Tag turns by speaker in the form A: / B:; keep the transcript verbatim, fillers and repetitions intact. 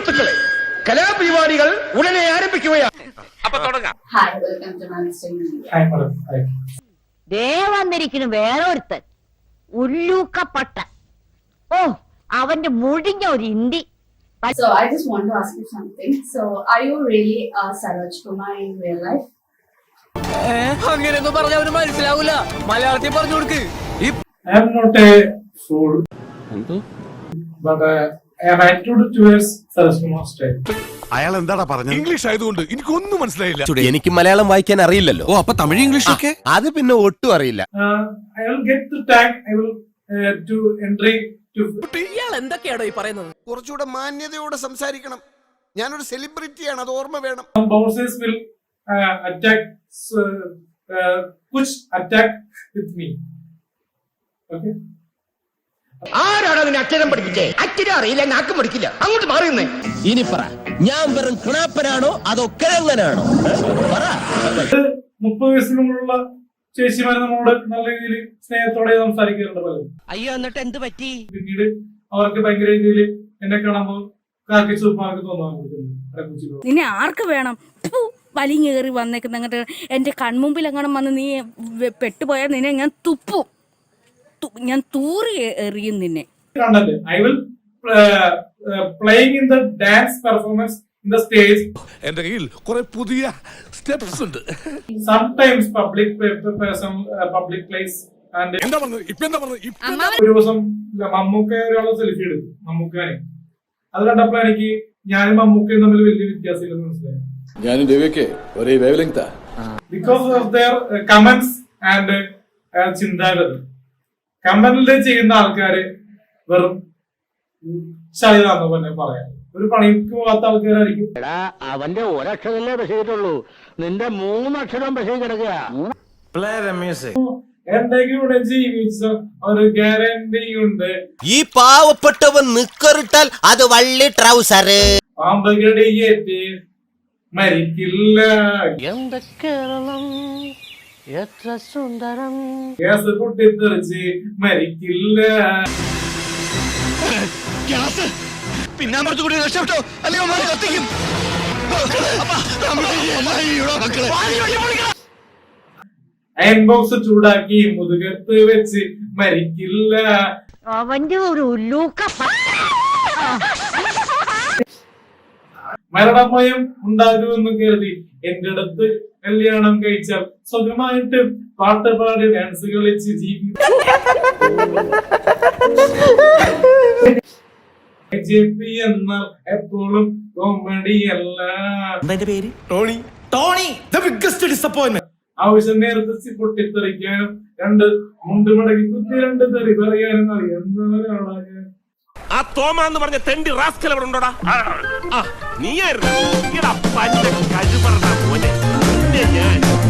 A: സുഹൃത്തുക്കളെ, കലാപരിപാടികൾ ഉടനെ ആരംഭിക്കുകയാണ്. അപ്പൊ തുടങ്ങാം.
B: ദേ വന്നിരിക്കുന്നു വേറൊരുത്തൻ, ഉല്ലൂക്കപ്പട്ട. ഓ, അവന്റെ മുടിഞ്ഞ ഒരു India.
C: So I just want to ask you something. So are you really uh, Saroj Kumar in real life?
D: അങ്ങനെയൊന്നും പറഞ്ഞ അവന് മനസ്സിലാവൂല. മലയാളത്തിൽ പറഞ്ഞു കൊടുക്ക്.
E: I am not a fool, but uh, I am attitude towards Saroj Kumar style.
F: അയാൾ എന്താടാ പറഞ്ഞത്? ഇംഗ്ലീഷ് ആയതുകൊണ്ട് എനിക്കൊന്നും മനസ്സിലായില്ല.
G: എനിക്ക് മലയാളം വായിക്കാൻ അറിയില്ലല്ലോ.
F: ഓ, അപ്പൊ തമിഴ് ഇംഗ്ലീഷ് ഒക്കെ
G: അത് പിന്നെ ഒട്ടും അറിയില്ല.
E: I will get the tag. I will uh, to entry to.
D: ഇയാൾ എന്തൊക്കെയാണോ ഈ പറയുന്നത്?
F: കുറച്ചുകൂടെ മാന്യതയോടെ സംസാരിക്കണം. ഞാനൊരു സെലിബ്രിറ്റിയാണ്, അത് ഓർമ്മ വേണം.
E: Some bouncers will uh, attack, uh, uh, push attack with me. Okay.
A: ആരാണ് അതിന് അക്ഷരം പഠിപ്പിച്ചേ? അക്ഷരം അറിയില്ല, നാക്കും പഠിക്കില്ല. അങ്ങോട്ട് മാറിയുന്നേ.
G: ഇനി പറ, ഞാൻ വെറും കിണാപ്പനാണോ അതോ കിഴങ്ങനാണോ?
E: മുപ്പത് വയസ്സിന് മുകളിലുള്ള ചേച്ചിമാരെ നമ്മളോട് നല്ല രീതിയിൽ സ്നേഹത്തോടെ സംസാരിക്കാറുണ്ട് പലരും.
D: അയ്യോ, എന്നിട്ട് എന്ത് പറ്റി?
E: പിന്നീട് അവർക്ക് ഭയങ്കര രീതിയിൽ എന്നെ കാണുമ്പോൾ കാക്കി സൂപ്പമാർക്ക് തോന്നാൻ.
H: നിന്നെ ആർക്ക് വേണം? വലിഞ്ഞേറി വന്നേക്കുന്ന അങ്ങോട്ട് എന്റെ കൺമുമ്പിൽ എങ്ങനെ വന്ന് നീ പെട്ടുപോയാൽ നിന്നെ ഞാൻ തുപ്പും, ഞാൻ തൂറി എറിയും നിന്നെ.
E: I will uh, uh, playing in the dance performance in the stage.
F: എന്റെ കയ്യിൽ കുറെ പുതിയ സ്റ്റെപ്സ് ഉണ്ട്.
E: Sometimes public person, uh, public place and.
F: എന്താ പറഞ്ഞത്? ഇപ്പൊ എന്താ പറഞ്ഞത്?
E: ഒരു ദിവസം മമ്മൂക്ക ഒരാളെ സെൽഫി എടുത്തു, മമ്മൂക്കാനെ. അത് കണ്ടപ്പോ എനിക്ക് ഞാനും മമ്മൂക്കയും തമ്മിൽ വലിയ വ്യത്യാസമില്ലെന്ന് മനസ്സിലായി.
I: ഞാനും രവിയൊക്കെ ഒരേ വേവ് ലെങ്താ.
E: Because of their uh, comments and uh, ചിന്താഗതി. കമ്പനിയിൽ ചെയ്യുന്ന ആൾക്കാര് വെറും ചളിതാന്ന് തന്നെ പറയാം. ഒരു പണിക്ക് പോകാത്ത ആൾക്കാരായിരിക്കും.
A: അവന്റെ ഒരക്ഷരല്ലേ ബഷീട്ടുള്ളൂ, നിന്റെ മൂന്നക്ഷരം ബഷീർ കിടക്കുക.
E: എന്റെ കൂടെ ജീവിച്ച ഒരു ഗ്യാരണ്ടി ഉണ്ട്.
G: ഈ പാവപ്പെട്ടവൻ നിക്കറിട്ടാൽ അത് വള്ളി ട്രൗസർ.
E: പാമ്പ് കടിയേറ്റ് മരിക്കില്ല.
D: എത്ര സുന്ദരം.
E: ഗ്യാസ് പൊട്ടിത്തെറിച്ച് മരിക്കില്ല.
A: പിന്നാമ്പുറത്തുകൂടി രക്ഷപ്പെട്ടോ, അല്ലയോ കത്തിക്കും.
E: അയൺ ബോക്സ് ചൂടാക്കി മുതുകത്ത് വെച്ച് മരിക്കില്ല.
B: അവന്റെ ഒരു ഉല്ലൂക്കപ്പട്ട.
E: മരണഭയം ഉണ്ടാകുമെന്ന് കരുതി എന്റെ അടുത്ത് കല്യാണം കഴിച്ചാൽ സ്വന്തമായിട്ട് പാട്ട് പാടി ഡാൻസ് കളിച്ച് ജീവിക്കും. എന്നാൽ എപ്പോഴും കോമഡി അല്ല.
G: Tony Tony the biggest disappointment.
E: ആവശ്യം നേരത്തെ പൊട്ടിത്തെറിക്കാനും രണ്ട് മുണ്ട് മടക്കി കുത്തി രണ്ട് തെറി പറയാനും അറിയാവുന്ന.
F: ആ തോമ എന്ന് പറഞ്ഞ തെണ്ടി റാസ്കൽ അവിടെ ഉണ്ടോടാ? നീയായിരുന്നു.